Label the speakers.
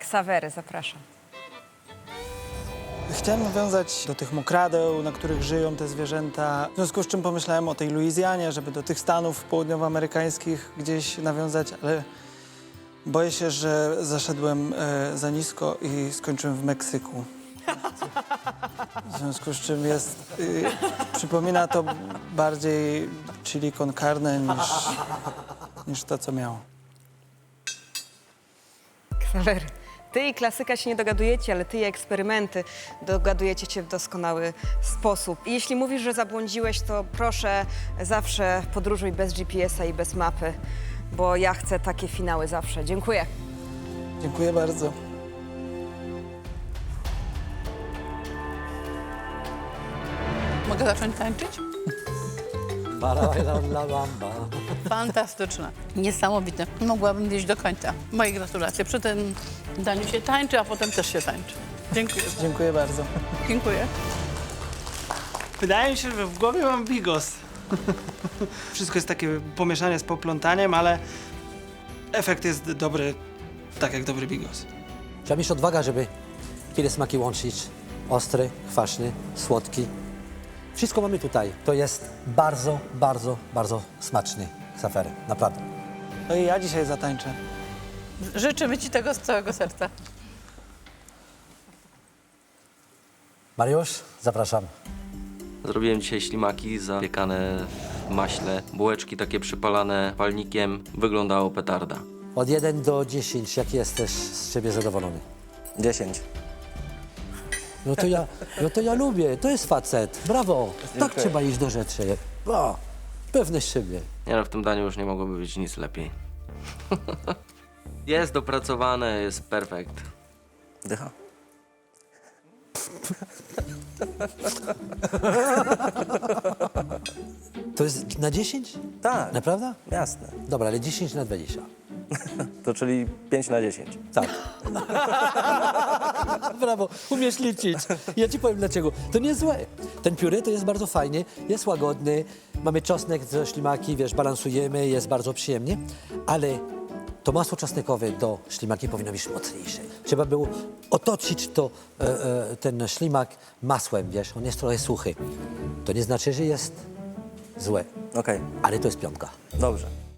Speaker 1: Ksawery, zapraszam.
Speaker 2: Chciałem nawiązać do tych mokradeł, na których żyją te zwierzęta. W związku z czym pomyślałem o tej Luizjanie, żeby do tych Stanów południowoamerykańskich gdzieś nawiązać, ale boję się, że zaszedłem za nisko i skończyłem w Meksyku. W związku z czym przypomina to bardziej chili con carne niż to, co miało.
Speaker 1: Ksawery, ty i klasyka się nie dogadujecie, ale ty i eksperymenty dogadujecie się w doskonały sposób. I jeśli mówisz, że zabłądziłeś, to proszę zawsze podróżuj bez GPS-a i bez mapy, bo ja chcę takie finały zawsze. Dziękuję.
Speaker 2: Dziękuję bardzo.
Speaker 3: Mogę zacząć tańczyć? Fantastyczne. Niesamowite. Mogłabym iść do końca. Moje gratulacje. Przy tym daniu się tańczy, a potem też się tańczy. Dziękuję.
Speaker 2: Dziękuję bardzo.
Speaker 3: Dziękuję.
Speaker 2: Wydaje mi się, że w głowie mam bigos. Wszystko jest takie pomieszanie z poplątaniem, ale efekt jest dobry, tak jak dobry bigos.
Speaker 4: Trzeba mieć odwagę, żeby tyle smaki łączyć. Ostry, kwaśny, słodki. Wszystko mamy tutaj. To jest bardzo, bardzo, bardzo smaczny ksawery. Naprawdę.
Speaker 2: No i ja dzisiaj zatańczę.
Speaker 3: Życzymy ci tego z całego serca.
Speaker 4: Mariusz, zapraszam.
Speaker 5: Zrobiłem dzisiaj ślimaki zapiekane w maśle, bułeczki takie przypalane palnikiem. Wyglądało petarda.
Speaker 4: Od 1 do 10, jak jesteś z siebie zadowolony?
Speaker 6: 10.
Speaker 4: No to ja lubię, to jest facet. Brawo, tak trzeba iść do rzeczy. O, pewność siebie.
Speaker 5: Nie no, w tym daniu już nie mogłoby być nic lepiej. Jest dopracowane, jest perfekt.
Speaker 6: Dycha.
Speaker 4: To jest na 10?
Speaker 6: Tak,
Speaker 4: Naprawdę?
Speaker 6: jasne.
Speaker 4: Dobra, ale 10 na 20.
Speaker 6: To czyli 5 na 10.
Speaker 4: Tak. Brawo, umiesz liczyć. Ja ci powiem dlaczego. To nie złe. Ten pióre to jest bardzo fajny, jest łagodny, mamy czosnek ze ślimaki, wiesz, balansujemy, jest bardzo przyjemnie, ale to masło czosnkowe do ślimaki powinno być mocniejsze. Trzeba było otoczyć ten ślimak masłem, wiesz, on jest trochę suchy. To nie znaczy, że jest złe,
Speaker 6: Okej,
Speaker 4: ale to jest piątka.
Speaker 6: dobrze.